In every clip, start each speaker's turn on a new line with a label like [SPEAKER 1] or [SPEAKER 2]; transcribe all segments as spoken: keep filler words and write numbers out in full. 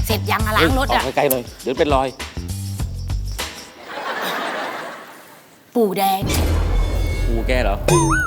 [SPEAKER 1] เสร็จยังล้างรถอ่ะ
[SPEAKER 2] ออกไกลๆหน่อยเดี๋ยวเป็นรอย
[SPEAKER 1] ปู่แดง
[SPEAKER 2] ปู่แกเหรอ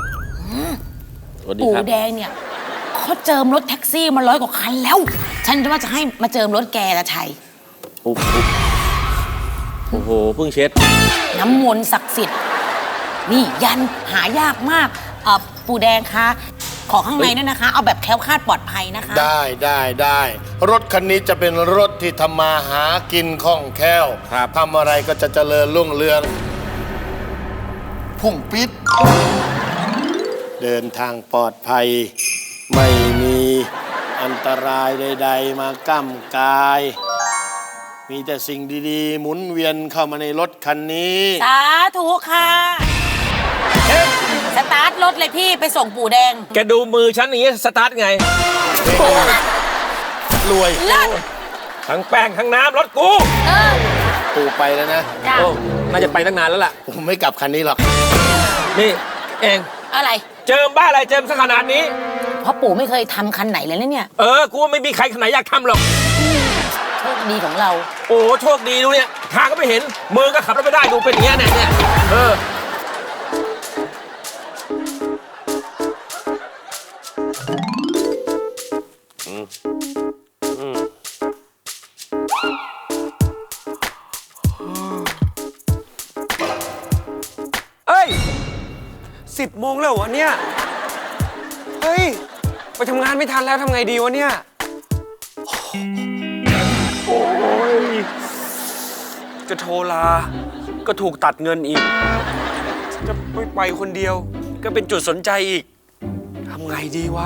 [SPEAKER 1] ปู่แดงเนี่ยเขาเจิมรถแท็กซี่มาร้อยกว่าคันแล้วฉันว่าจะให้มาเจิมรถแกละชัย
[SPEAKER 2] โอ้โหโอ้โหเพิ่งเช็ด
[SPEAKER 1] น้ำมนต์ศักดิ์สิทธิ์นี่ยันหายากมากเอ่อปู่แดงคะขอข้างในด้วยนะคะเอาแบบแคล้วคลาดปลอดภัยนะคะ
[SPEAKER 3] ได้ได้ได้รถคันนี้จะเป็นรถที่ทำมาหากินคล่องแคล่วทำอะไรก็จะเจริญรุ่งเรืองพุ่งปิดเดินทางปลอดภัยไม่มีอันตรายใดๆมาก้ำกายมีแต่สิ่งดีๆหมุนเวียนเข้ามาในรถคันนี้
[SPEAKER 1] สาธุค่ะสตาร์ทรถเลยพี่ไปส่งปู่แดง
[SPEAKER 2] แกดูมือฉันอย่างนี้สตาร์ทไง
[SPEAKER 3] รวย
[SPEAKER 2] ทั้งแป้งทั้งน้ำรถกู
[SPEAKER 3] ปู่ไปแล้วนะ
[SPEAKER 2] โอ้น่าจะไปตั้งนานแล้วล่ะ
[SPEAKER 3] ผมไม่กลับคันนี้หรอก
[SPEAKER 2] นี่เอง
[SPEAKER 1] อะไร
[SPEAKER 2] เจิมบ้าอะไรเจิมสักขนาดนี้
[SPEAKER 1] เพราะปู่ไม่เคยทำคันไหนเลยนะเนี่ย
[SPEAKER 2] เออกูไม่มีใครคันไหนอยากทำหรอก
[SPEAKER 1] โชคดีของเรา
[SPEAKER 2] โอ้โชคดีดูเนี่ยทางก็ไม่เห็นมือก็ขับรถไม่ได้ดูเป็นอย่างเงี้ยเนี่ยเออ
[SPEAKER 4] เอ้ยสิบโมงแล้ววะเนี่ยเฮ้ยไปทำงานไม่ทันแล้วทำไงดีวะเนี่ยโอ้ยจะโทรลาก็ถูกตัดเงินอีกจะไม่ไปคนเดียวก็เป็นจุดสนใจอีกทำไงดีวะ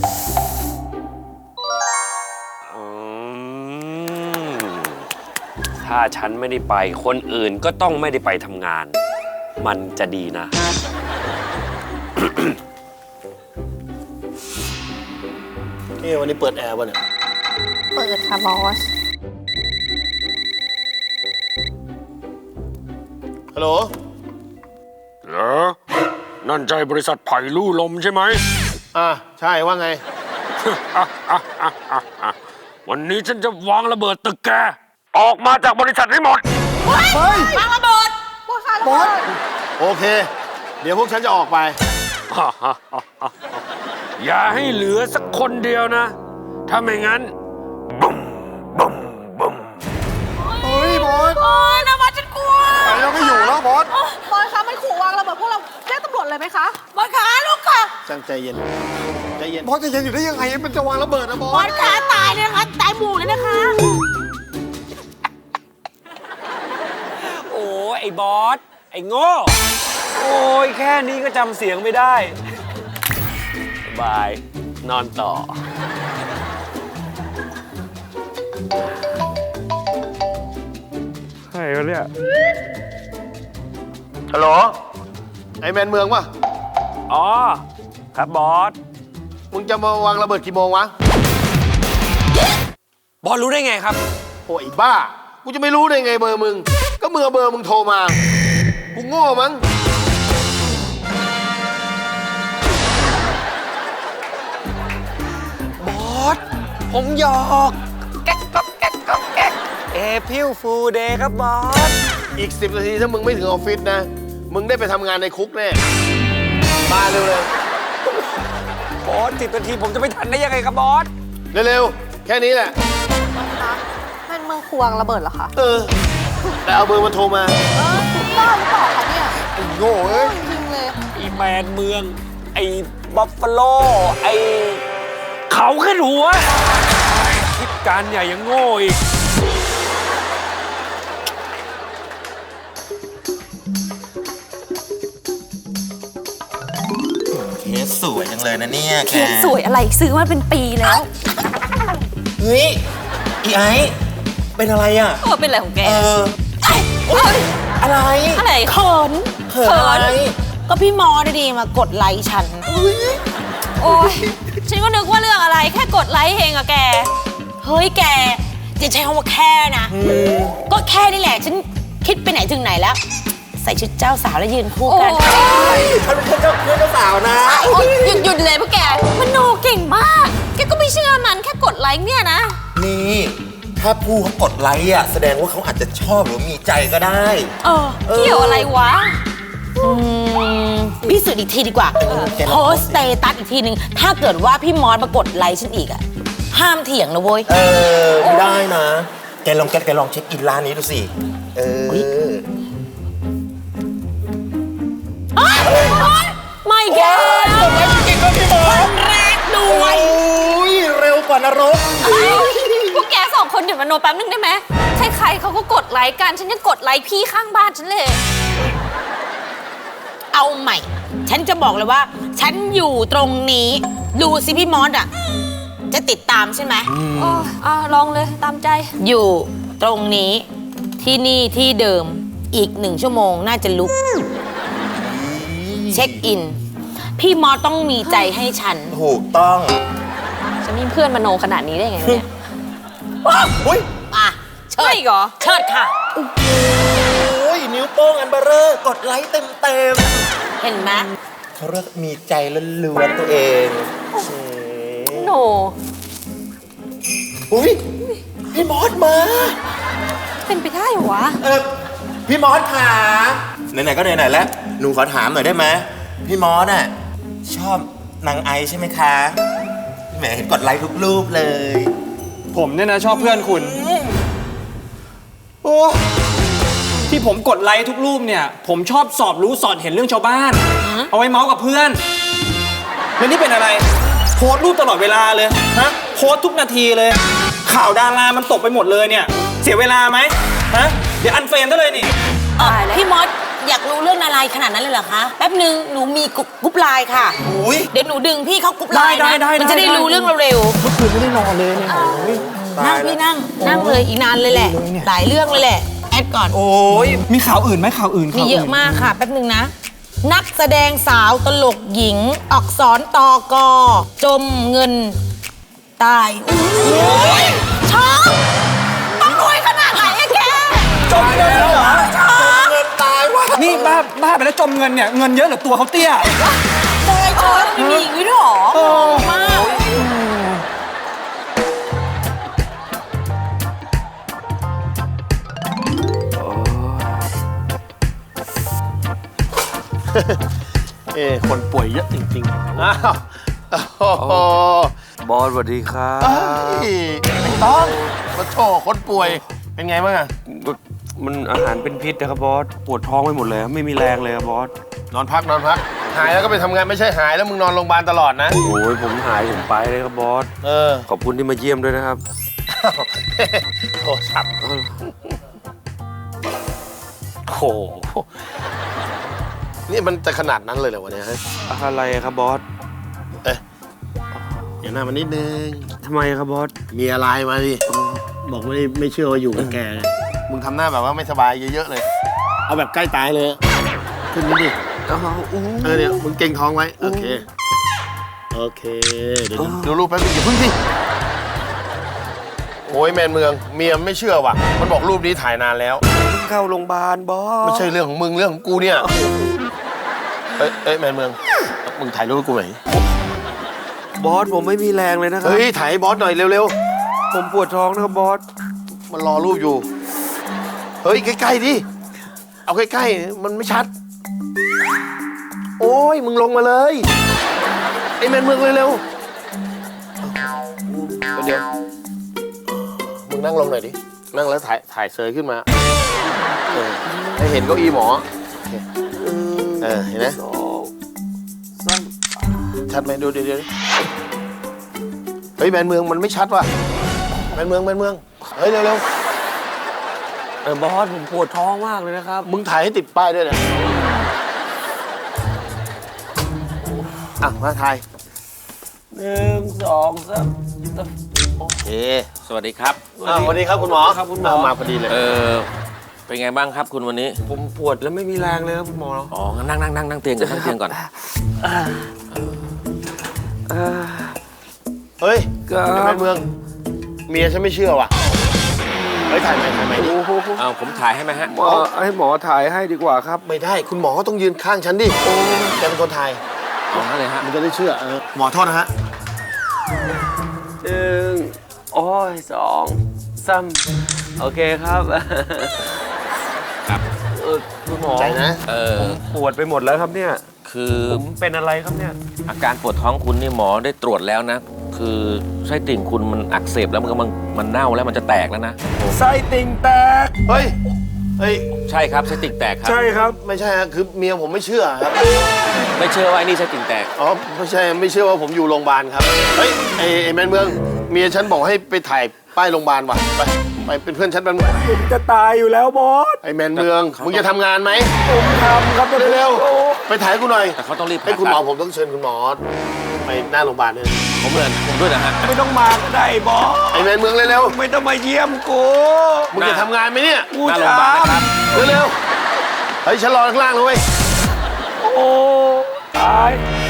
[SPEAKER 4] ถ้าฉันไม่ได้ไปคนอื่นก็ต้องไม่ได้ไปทำงานมันจะดีนะ
[SPEAKER 3] นี่วันนี้เปิดแอร์ป่ะเนี่ย
[SPEAKER 5] เปิดค่ะบอส
[SPEAKER 3] ฮัลโหล
[SPEAKER 4] เหรอนั่นใจบริษัทไผ่ลู่ลมใช่ไหม
[SPEAKER 3] อ่าใช่ว่าไง
[SPEAKER 4] วันนี้ฉันจะวางระเบิดตึกแกออกมาจากบริษัทให้หมด
[SPEAKER 1] เฮ้ยวางระเบิด
[SPEAKER 3] บอสโอเคเดี๋ยวพวกฉันจะออกไป
[SPEAKER 4] อย่าให้เหลือสักคนเดียวนะถ้าไม่งั้นบึ้มบึ้มบึ้ม
[SPEAKER 3] เฮ้ยบอส
[SPEAKER 1] โอ้ยนะบอสฉันกลัว
[SPEAKER 3] ไปเราไม่อยู่แล้วบอส
[SPEAKER 5] บอสคะมันขู่วางระเบิดพวกเราแจ้งตำรวจเลยไหมคะ
[SPEAKER 1] บอสขาลูกค่ะ
[SPEAKER 3] จังใจเย็นใจเย็นบอสจะเย็นอยู่ได้ยังไงมันจะวางระเบิดนะบอส
[SPEAKER 1] บอสขาตายเลยนะคะตายหมู่เลยนะคะ
[SPEAKER 4] โอ้ไอ้บอสไอ้โง่โอ้ยแค่นี้ก็จำเสียงไม่ได้บายนอนต่อใครวะเนี่ย
[SPEAKER 3] ฮัลโหลไอแมนเมืองป่ะ
[SPEAKER 4] อ๋อครับบอส
[SPEAKER 3] มึงจะมาวางระเบิดกี่โมงวะ
[SPEAKER 4] บอสรู้ได้ไงครับ
[SPEAKER 3] โอ้ยบ้ากูจะไม่รู้ได้ไงเบอร์มึงก็เมื่อเบอร์มึงโทรมากูโง่มั้ง
[SPEAKER 4] บอสผมหยอกแก๊กก๊อกแก๊กก๊อกแก๊กเอพิลฟูเดย์ครับบอส
[SPEAKER 3] อีกสิบนาทีถ้ามึงไม่ถึงออฟฟิศนะมึงได้ไปทำงานในคุกแน่มาเร็วเลย
[SPEAKER 4] บอสสิบนาทีผมจะไม่ทันได้ยังไงครับบอส
[SPEAKER 3] เร็วๆแค่นี้แหละ
[SPEAKER 5] มันเมืองควงระเบิดเหรอคะ
[SPEAKER 3] เออแต่เอาเบอร์มาโทรมา
[SPEAKER 5] เออบ้าหรือเปล่าคะเนี่ย
[SPEAKER 3] ไอ้โง่เอ้ย
[SPEAKER 5] จริงเลย
[SPEAKER 4] ไอ้แมนเมืองไอ้บัฟฟาโลไอ้เขาขึ้นหัวคิดการใหญ่ยังโง่อีก
[SPEAKER 6] เคสสวยจังเลยนะเนี่ย
[SPEAKER 1] เคสสวยอะไรซื้อมาเป็นปีแล้ว
[SPEAKER 6] เฮ้ยอีไอเป็นอะไรอ่ะ
[SPEAKER 1] เออเป็นอะไรของแก
[SPEAKER 6] เอออะไร
[SPEAKER 1] อะไรเขิน
[SPEAKER 6] เขินอะไร
[SPEAKER 1] ก็พี่มอดีๆมากดไลค์ฉันโอ้ยฉันก็นึกว่าเรื่องอะไรแค่กดไลค์เองอะแกเฮ้ยแกอย่าใช้คำว่าแค่นะก็แค่นี่แหละฉันคิดไปไหนถึงไหนแล้วใส่ชุดเจ้าสาวแล้วยืนคู่กัน
[SPEAKER 6] ฉันเป็นเจ้าเพื่อนเจ้าสาวนะ
[SPEAKER 1] หยุดหยุดเลยพวกแกมันโนเก่งมากแกก็ไม่เชื่อมันแค่กดไลค์เนี่ยนะ
[SPEAKER 6] นี่ถ้าถ้าผู้เขากดไลค์อ่ะแสดงว่าเขาอาจจะชอบหรือมีใจก็ได้
[SPEAKER 1] เออเกี่ยวอะไรวะ อืมพิสูจน์อีกทีดีกว่า
[SPEAKER 6] แกลอง
[SPEAKER 1] โพสต์สเตตัสอีกทีหนึ่งถ้าเกิดว่าพี่มอสมากดไลค์ฉันอีกอะห้ามเถียงนะเว้ย
[SPEAKER 6] เออไม่ได้นะ แกลองแกแกลองเช็คอินร้านนี้ดูสิ เออ
[SPEAKER 1] ไม่แก
[SPEAKER 6] กดไลค์จริงๆก็พี่มอส
[SPEAKER 1] แรกด้วย
[SPEAKER 6] โอ้ยเร็วกว่านรก
[SPEAKER 1] พวกแกสองคนเดี๋ยวมาโนแป๊บนึงได้ไหมใครๆเขาก็กดไลค์กัน ฉันยังกดไลค์พี่ข้างบ้านฉันเลย เอาใหม่ ฉันจะบอกเลยว่า ฉันอยู่ตรงนี้ ดูสิพี่มอสอะจะติดตามใช่ไหม
[SPEAKER 5] โอ้อ่ะลองเลยตามใจ
[SPEAKER 1] อยู่ตรงนี้ที่นี่ที่เดิมอีกหนึ่งชั่วโมงน่าจะลุก เช็คอิน พี่มอสต้องมีใจให้ฉัน
[SPEAKER 6] ถูกต้อง
[SPEAKER 5] จะมีเพื่อนมโนขนาดนี้ได้ไงเนี่ย
[SPEAKER 6] อุ้ย
[SPEAKER 1] อ่ะ เชิดเหรอ เชิดค่ะ
[SPEAKER 6] โอ้ยนิ้วโป้งอันเบอร์เรอร์กดไลค์เต็มเต็ม
[SPEAKER 1] เห็นไหม
[SPEAKER 6] ๆเขาเรียกมีใจล้วนๆตัวเองอืม
[SPEAKER 5] โน
[SPEAKER 6] อุ้ยพี่มอสมา
[SPEAKER 5] เป็นไปได้เหรอวะ
[SPEAKER 6] เออพี่มอสขาไหนๆก็ไหนๆแล้วหนูขอถามหน่อยได้ไหมพี่มอสน่ะชอบนางไอใช่ไหมคะแหมเห็นกดไลค์ทุกรูปเลย
[SPEAKER 4] ผมเนี่ยนะชอบเพื่อนคุณ
[SPEAKER 6] โอ้
[SPEAKER 4] ที่ผมกดไลค์ทุกรูปเนี่ย ผมชอบสอบรู้สอดเห็นเรื่องชาวบ้าน เอาไว้เมาส์กับเพื่อน แล้วนี่เป็นอะไร โพสต์รูปตลอดเวลาเลยฮะโพสต์ทุกนาทีเลย ข่าวดารามันตกไปหมดเลยเนี่ย เสียเวลาไหมฮะเดี๋ยวอันเฟรนได้เลยนี่
[SPEAKER 1] เออพี่มอสอยากรู้เรื่องอะไรขนาดนั้นเลยเหรอคะ แป๊บหนึ่งหนูมีกรุ๊ปกรุ๊ปไลน์ค่ะ
[SPEAKER 6] โอ้ย
[SPEAKER 1] เดี๋ยวหนูดึงพี่เขากรุ๊ปไลน์
[SPEAKER 4] ได้
[SPEAKER 1] นะ
[SPEAKER 4] ได้ได้
[SPEAKER 1] มันจะได้
[SPEAKER 4] ได้
[SPEAKER 1] รู้เรื่องเร็ว
[SPEAKER 4] เมื่อคืนไม่ได้นอนเลยเนี่ย
[SPEAKER 1] ๆนั่งพี่นั่ง นั่งเลยอีกนานเลยแหละ หลายเรื่องเลยแหละ แอดก่อน
[SPEAKER 4] โอ้ยมีข่าวอื่นไหมข่าวอื่น
[SPEAKER 1] มี
[SPEAKER 4] ข่าว
[SPEAKER 1] เยอะมากค่ะ แป๊บหนึ่งนะ นักแสดงสาวตลกหญิง อักษรตอกอ จมเงิน ตายอุ้ยช็อกต้องรวยขนาดไหนอะแก
[SPEAKER 4] จมเงินแล้วเหรอ
[SPEAKER 6] เงินตายว่ะ
[SPEAKER 4] นี่บ้าบ้าไปแล้วจมเงินเนี่ยเงินเยอะหรือตัวเขาเตี้ย
[SPEAKER 1] ตายช็อกมีอย่างนี้ด้วยเหรอ
[SPEAKER 4] เออ
[SPEAKER 1] มาก
[SPEAKER 3] เอ้คนป่วยเยอะจริงๆ อ้าวโอ้โห
[SPEAKER 2] บอสสวัสดีครับ
[SPEAKER 3] เอ้ยไม่ต้องมาโชว์คนป่วย เป็นไงบ้างอะ
[SPEAKER 2] มันอาหารเป็นพิษนะครับบอส ปวดท้องไปหมดเลยไม่มีแรงเลยครับบอส
[SPEAKER 3] นอนพักนอนพัก หายแล้วก็ไปทำงานไม่ใช่หายแล้วมึงนอนโรงพยาบาลตลอดนะ
[SPEAKER 2] โอ้ยผมหายผมไปเลยครับบอส
[SPEAKER 3] เออ
[SPEAKER 2] ขอบคุณที่มาเยี่ยมด้วยนะครับ
[SPEAKER 3] โทรศัพท์โอ้โห นี่มันจะขนาดนั้นเลยเหรอวะเนี่ยฮะ
[SPEAKER 2] อะไรครับบอส
[SPEAKER 3] เอ๊ะอย่าหน้ามันนิดนึง
[SPEAKER 2] ทำไมครับบอส
[SPEAKER 3] มีอะไรมาดิ บอกไม่ไม่เชื่อว่าอยู่กับแกไงมึงทำหน้าแบบว่าไม่สบายเยอะๆเลย เอาแบบใกล้ตายเลย ขึ้นนิดดิ เออเนี่ยมึงเก่งท้องไว้ โอเค โอเค เดี๋ยวดูรูปแป๊บนึงอย่าพึ่งสิโอ้ยแมนเมือง เมียไม่เชื่อว่ะ มันบอกรูปนี้ถ่ายนานแล้ว
[SPEAKER 2] เข้าโรงพยาบาลบอส
[SPEAKER 3] ไม่ใช่เรื่องของมึงเรื่องของกูเนี่ย เอ้ยเอ้ยแมนเมือง มึงถ่ายรูปให้กูหน่อย
[SPEAKER 2] บอสผมไม่มีแรงเลยนะครับ
[SPEAKER 3] เฮ้ยถ่ายให้บอสหน่อยเร็ว
[SPEAKER 2] ผมปวดท้องนะครับบอส
[SPEAKER 3] ๆ มันรอรูปอยู่ เฮ้ยใกล้ๆดิ เอาใกล้ๆ มันไม่ชัด โอ้ยมึงลงมาเลย ไอ้แมนเมืองเร็วๆ เดี๋ยว มึงนั่งลงหน่อยดิ นั่งแล้วถ่ายถ่ายเซยขึ้นมา เออให้เห็นเก้าอี้หมอ เออ เห็นไหมชัดไหมดูเดี๋ยวเดี๋ยวเฮ้ยแมนเมืองมันไม่ชัดว่ะแมนเมืองแมนเมือง เฮ้ยเร็ว
[SPEAKER 2] เออบอสผมปวดท้องมากเลยนะครับ
[SPEAKER 3] ๆ มึงถ่ายให้ติดป้ายด้วยนะอ่ะมาถ่าย
[SPEAKER 2] หนึ่งสองสาม
[SPEAKER 3] โอเค
[SPEAKER 2] สวัสดีครับ
[SPEAKER 3] อ่าสวัสดีครับคุณหมอ
[SPEAKER 2] ครับคุณหมอ
[SPEAKER 3] เามาพอดีเลย
[SPEAKER 2] เออเป็นไงบ้างครับคุณวันนี้
[SPEAKER 3] ผมปวดแล้วไม่มีแรงเลยครับคุณหมอ
[SPEAKER 2] อ๋องั้นนั่งนั่งนั่งนั่งเตียงก่อนนั่งเตียงก่อน
[SPEAKER 3] เฮ้ย
[SPEAKER 2] ครับ
[SPEAKER 3] แมนเมือง เมียฉันไม่เชื่อว่ะ เฮ้ยถ่ายใหม่ถ่ายใหม่ดิ
[SPEAKER 2] เอาผมถ่ายให้ไหมฮะ
[SPEAKER 3] หมอให้หมอถ่ายให้ดีกว่าครับ ไม่ได้ คุณหมอต้องยืนข้างฉันดิโอ้แกเป็นคนถ่าย
[SPEAKER 2] เอางั้นเลยฮะ
[SPEAKER 3] มันจะได้เชื่อเออหมอโทษนะฮะ
[SPEAKER 2] หนึ่งโอ้ยสองสซัมโอเคครับ ครับเออคุณหมอ
[SPEAKER 3] ใจนะ
[SPEAKER 2] เออปวดไปหมดแล้วครับเนี่ย คือผมเป็นอะไรครับเนี่ย อาการปวดท้องคุณนี่หมอได้ตรวจแล้วนะ คือไส้ติ่งคุณมันอักเสบแล้วมันก็มันมันเน่าแล้วมันจะแตกแล้วนะ
[SPEAKER 7] ไส้ติ่งแตก
[SPEAKER 3] เฮ้ย เฮ้ย
[SPEAKER 2] ใช่ครับไส้ติ่งแตกครับ
[SPEAKER 7] ใช่ครับ
[SPEAKER 3] ไม่ใช่ฮะคือเมียผมไม่เชื่อครับ
[SPEAKER 2] ไม่เชื่อว่าไอ้นี่ไส้ติ่งแตก
[SPEAKER 3] อ๋อ ไม่ใช่ ไม่เชื่อว่าผมอยู่โรงพยาบาลครับ เฮ้ย ไอ้ไอ้แมนเมือง เมียฉันบอกให้ไปถ่ายป้ายโรงพยาบาลว่ะ ไป ไปเป็นเพื่อนฉันแป๊บนึง
[SPEAKER 7] ผมจะตายอยู่แล้วบอส
[SPEAKER 3] ไอ้แมนเมือง มึงจะทำงานไหม
[SPEAKER 7] ผมทำครับ
[SPEAKER 3] เร็วๆ ไปถ่ายกูหน่อย
[SPEAKER 2] แต่เขาต้องรีบ
[SPEAKER 3] ให้คุณหมอผมต้องเชิญคุณหมอ ไปหน้าโรงพยาบาลเนี่ย
[SPEAKER 2] ผมเลยผมด้วยนะฮะ
[SPEAKER 7] ไม่ต้องมาก็ได้บอส
[SPEAKER 3] ไอ้แมนเมืองเร็ว
[SPEAKER 7] ไม่ต้องมาเยี่ยมกู
[SPEAKER 3] ๆ มึงจะทำงานไหมเนี่ย
[SPEAKER 7] กู
[SPEAKER 2] หน้าโร
[SPEAKER 7] จะ
[SPEAKER 2] งพยาบาลนะครับ
[SPEAKER 3] เร็วๆ เฮ้ยฉันรอข้างล่างเลยเว้ย
[SPEAKER 7] โอ้ตาย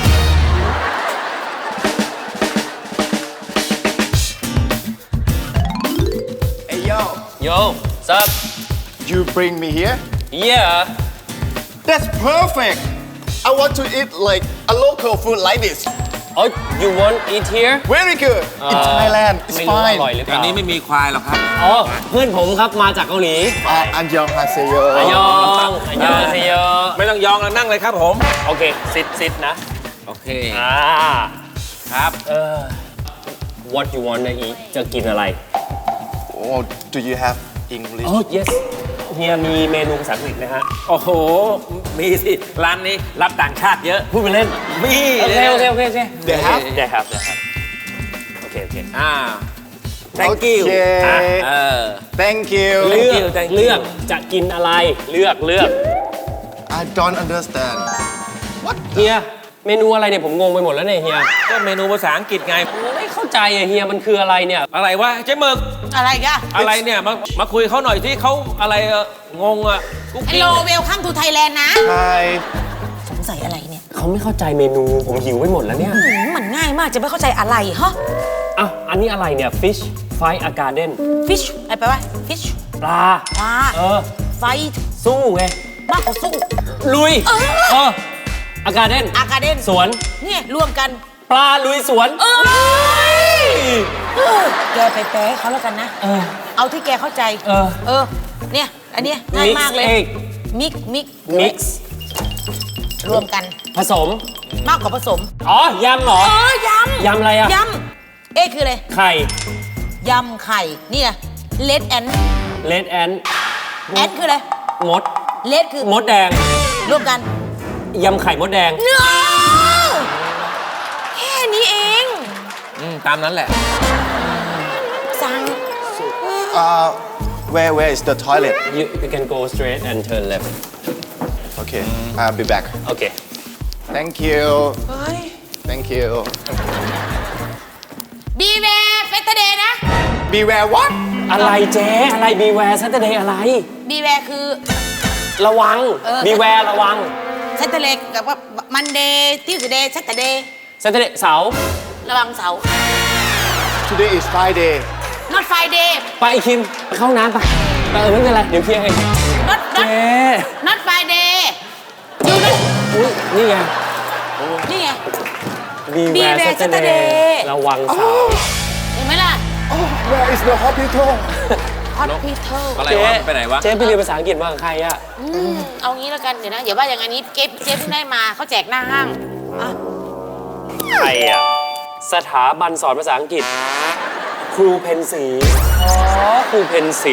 [SPEAKER 6] Hey yo
[SPEAKER 2] Yo sup
[SPEAKER 6] you bring me here
[SPEAKER 2] yeah
[SPEAKER 6] that's perfect I want to eat like a local food like this
[SPEAKER 2] oh you want eat here
[SPEAKER 6] very good in Thailand it's
[SPEAKER 2] ไม่รู้อ
[SPEAKER 6] fine
[SPEAKER 2] ร่อยหรือเปล่าอันนี้ไม่มีควายหรอกครับ
[SPEAKER 8] อ๋อ เพื่อนผมครับมาจากเกาหลี
[SPEAKER 6] อันยองฮาเซโย
[SPEAKER 8] อายองอายองเซโย
[SPEAKER 2] ไม่ต้องยองแล้วนั่งเลยครับผม
[SPEAKER 8] โอเค ซิดซิดนะ
[SPEAKER 2] โอเค
[SPEAKER 8] อ่า
[SPEAKER 2] ครับ
[SPEAKER 8] เออ what you want to eat จะกินอะไร
[SPEAKER 6] oh do you have English
[SPEAKER 8] อ๋อ yes เฮียมีเมนูภาษาอังกฤษนะฮะ
[SPEAKER 2] โอ้โห มีสิ ร้านนี้รับต่างชาติเยอะ
[SPEAKER 8] พูดไปเล่น
[SPEAKER 2] มี
[SPEAKER 8] โอเค โอเค โอเคโอเค
[SPEAKER 6] They have?
[SPEAKER 8] ได้ครับได้ครับ โอเค โอเค
[SPEAKER 2] อ่า thank you
[SPEAKER 6] โอเค
[SPEAKER 2] อ่ะเออ
[SPEAKER 6] thank you
[SPEAKER 8] เลือก
[SPEAKER 2] you, thank you
[SPEAKER 8] เลือกจะกินอะไร เลือก เลือก
[SPEAKER 6] I don't understand
[SPEAKER 8] เฮีย เมนูอะไรเนี่ยผมงงไปหมดแล้วเนี่ยเฮีย
[SPEAKER 2] ก็เมนูภาษาอังกฤษไง
[SPEAKER 8] ผมไม่เข้าใจอะเฮีย มันคืออะไรเนี่ย
[SPEAKER 2] อะไรวะเจ๊หมึก
[SPEAKER 1] อะไรกะ
[SPEAKER 2] อะไรเนี่ย มา มาคุยเขาหน่อยที่เขาอะไรเอ่องงอ่ะกุ๊ก
[SPEAKER 1] ไอ
[SPEAKER 2] กิ๊ก
[SPEAKER 1] โลเวลคัมทูไทยแลนด์นะ
[SPEAKER 6] Hi
[SPEAKER 1] สงสัยอะไรเนี่ย
[SPEAKER 8] เขาไม่เข้าใจเมนู ผมหิวไปหมดแล้วเนี่ย
[SPEAKER 1] หืมมันง่ายมากจะไม่เข้าใจอะไรฮะ
[SPEAKER 8] อ้าว อันนี้อะไรเนี่ย fish fight a garden
[SPEAKER 1] fish อะไรไปวะ fish
[SPEAKER 8] ปลา
[SPEAKER 1] ปลา
[SPEAKER 8] เออ
[SPEAKER 1] fight
[SPEAKER 8] สู้ไง
[SPEAKER 1] มากกว่าสู้
[SPEAKER 8] ลุย
[SPEAKER 1] เออ
[SPEAKER 8] เออ a garden
[SPEAKER 1] อากาเดน
[SPEAKER 8] สวน
[SPEAKER 1] เนี่ยรวมกัน
[SPEAKER 8] ปลาลุยสวน
[SPEAKER 1] เอ้ยเออแกไปแปลให้เขาแล้วกันนะ
[SPEAKER 8] เออ
[SPEAKER 1] เอาที่แกเข้าใจ
[SPEAKER 8] เออ
[SPEAKER 1] เออ เนี่ย อันเนี้ยง่าย
[SPEAKER 8] Mix
[SPEAKER 1] มากเลย
[SPEAKER 8] egg
[SPEAKER 1] มิก มิก
[SPEAKER 8] mix
[SPEAKER 1] รวมกัน
[SPEAKER 8] ผสม
[SPEAKER 1] มากกว่าผสม
[SPEAKER 8] อ๋อ ยำเหรอ
[SPEAKER 1] เออยำ
[SPEAKER 8] ยำอะไรอะ
[SPEAKER 1] ยำ เอ๊ะคืออะไร
[SPEAKER 8] ไข่
[SPEAKER 1] ยำไข่ เนี่ยเลดแอน
[SPEAKER 8] เลดแอน
[SPEAKER 1] แอนคืออะไร
[SPEAKER 8] มด
[SPEAKER 1] เลดคือ
[SPEAKER 8] มดแดง
[SPEAKER 1] รวมกัน
[SPEAKER 8] ยำไข่มดแดง
[SPEAKER 1] เนื้อแค่นี้เอง
[SPEAKER 2] อืมตามนั้นแหละ
[SPEAKER 1] สั่ง
[SPEAKER 6] uh where where is the toilet
[SPEAKER 8] you you can go straight and turn left
[SPEAKER 6] okay I'll be back
[SPEAKER 8] โอเค
[SPEAKER 6] thank you
[SPEAKER 1] เฮ้ย
[SPEAKER 6] thank you
[SPEAKER 1] บีเวเฟสเดย์นะ
[SPEAKER 6] beware what
[SPEAKER 8] อะไรเจ๊ อะไร beware Saturday อะไร
[SPEAKER 1] บีเวคือ
[SPEAKER 8] ระวัง
[SPEAKER 1] เออ
[SPEAKER 8] beware ระวัง
[SPEAKER 1] เซตเดย์กับว่ามันเดย์ทิวสเดย์เซตเดย์
[SPEAKER 8] Saturday เสาร์
[SPEAKER 1] ระวังเสาร์
[SPEAKER 6] today is Friday
[SPEAKER 1] not Friday
[SPEAKER 8] ไปไอคิมไปเข้าห้องน้ำไปไปเออไม่เป็นไร เดี๋ยวเคลียร์เอง
[SPEAKER 1] not
[SPEAKER 8] เจ๊
[SPEAKER 1] not not Friday ดูนะ
[SPEAKER 8] อุ๊ยนี่ไง
[SPEAKER 1] นี่ไง
[SPEAKER 8] beware
[SPEAKER 1] Beware
[SPEAKER 8] Saturday
[SPEAKER 1] Saturday
[SPEAKER 8] ระวังเสาร์
[SPEAKER 1] เห็นไหมล่ะ
[SPEAKER 6] oh where is the hospital
[SPEAKER 1] hospital
[SPEAKER 2] อะไร
[SPEAKER 8] เจ๊
[SPEAKER 2] วะไปไหนวะ
[SPEAKER 8] เจ๊ไปเรียนภาษาอังกฤษมากับใครอะ
[SPEAKER 1] อืมเอางี้แล้วกัน เดี๋ยวนะอย่าว่าอย่างอันนี้เจ๊เจ๊เพิ่งได้มาเขาแจกหน้าห้างอ่ะ
[SPEAKER 8] ใครอะสถาบันสอนภาษาอังกฤษ ครูเพนสี อ๋อ ครูเพนสี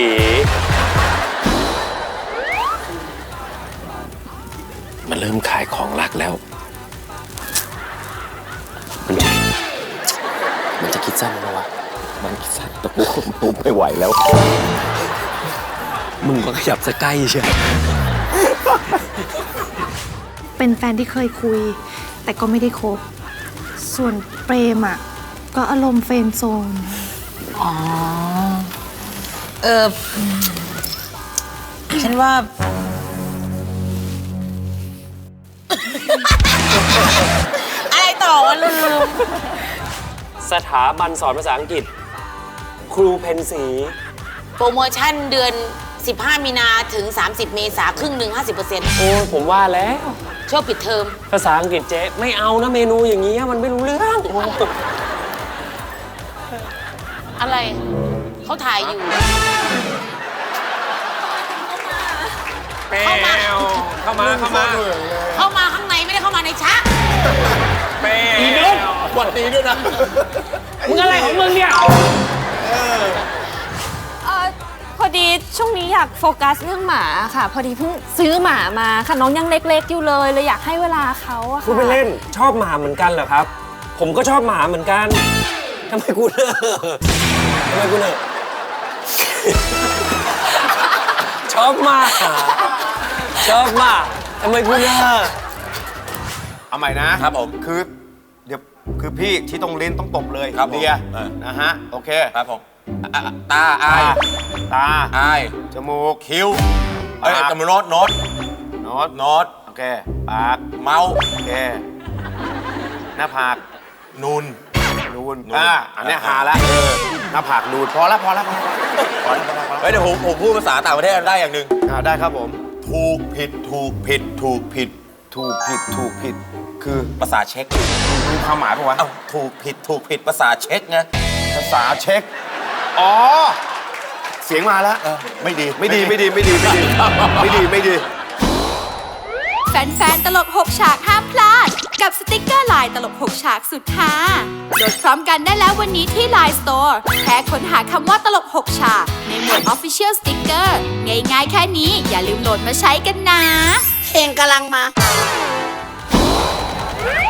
[SPEAKER 2] มันเริ่มขายของรักแล้ว มันจะมันจะคิดสั้นไหมวะ มันคิดสั้นแต่กูกูไม่ไหวแล้ว มึงก็ขยับสะใกล้เชียว
[SPEAKER 9] เป็นแฟนที่เคยคุย แต่ก็ไม่ได้คบ ส่วนเปรมอ่ะ ก็อารมณ์เฟรนด์โซน
[SPEAKER 1] อ๋อ เออ ฉันว่า อะไรต่อวะลืม
[SPEAKER 8] สถาบันสอนภาษาอังกฤษ ครูเพนสี
[SPEAKER 1] โปรโมชั่นเดือน สิบห้า มีนาถึง สามสิบ เมษาครึ่งหนึ่ง ห้าสิบเปอร์เซ็นต์
[SPEAKER 8] โอ้ผมว่าแล้ว
[SPEAKER 1] ช่วงปิดเทอม
[SPEAKER 8] ภาษาอังกฤษเจ๊ไม่เอานะเมนูอย่างนี้มันไม่รู้เรื่อง
[SPEAKER 1] อะไรเขาถ่ายอยู่
[SPEAKER 8] แปวเข้ามาเข้ามา
[SPEAKER 1] เข้ามาข้างในไม่ได้เข้ามาในชัก
[SPEAKER 8] แปว
[SPEAKER 3] อีนุ๊กหวัดดีด้วยนะ
[SPEAKER 8] มึงอะไรของมึงเนี่ย
[SPEAKER 5] เออพอดีช่วงนี้อยากโฟกัสเรื่องหมาค่ะ พอดีเพิ่งซื้อหมามาค่ะน้องยังเล็กๆอยู่เลยเลยอยากให้เวลาเขาอะค่ะ
[SPEAKER 8] กูไปเล่นชอบหมาเหมือนกันเหรอครับ ผมก็ชอบหมาเหมือนกันทำไมกูเนอะทำไมกูเนอะชอบหมาชอบหมาทำไมกูเนอะ
[SPEAKER 6] เอาใหม่นะครับผมคือเดี๋ยวคือพี่ที่ต้องเล่นต้องตบเลยครับเดียนะฮะโอเคครับผมตาอายตาอายจมูกคิ้วเอ้ยจมูกโน้ตโน้ตโน้ตโน้ตโอเคปากเมาโอเคหน้าผากนูนนูนอ่าอันนี้หาละเออหน้าผากนูนพอละพอละพอละพอละพอละพอละเฮ้ยเดี๋ยวผมผมพูดภาษาต่างประเทศได้อย่างหนึ่งอ่าได้ครับผมถูกผิดถูกผิดถูกผิดถูกผิดถูกผิดคือภาษาเช็ครู้ความหมายปะวะเอ้าถูกผิดถูกผิดภาษาเช็คไงภาษาเช็คอ๋อเสียงมาแล้วไม่ดีไม่ดีไม่ดีไม่ดีไม่ดีไม่ดีไม่ดี
[SPEAKER 10] แฟนๆ ตลกหกฉากห้ามพลาด กับสติกเกอร์ลายตลกหกฉากสุดฮาโหลดพร้อมกันได้แล้ววันนี้ที่ Line Store แค่ค้นหาคำว่าตลกหกฉากในหมวด Official Sticker ง่ายๆแค่นี้อย่าลืมโหลดมาใช้กันนะ
[SPEAKER 1] เพลงกำลังมา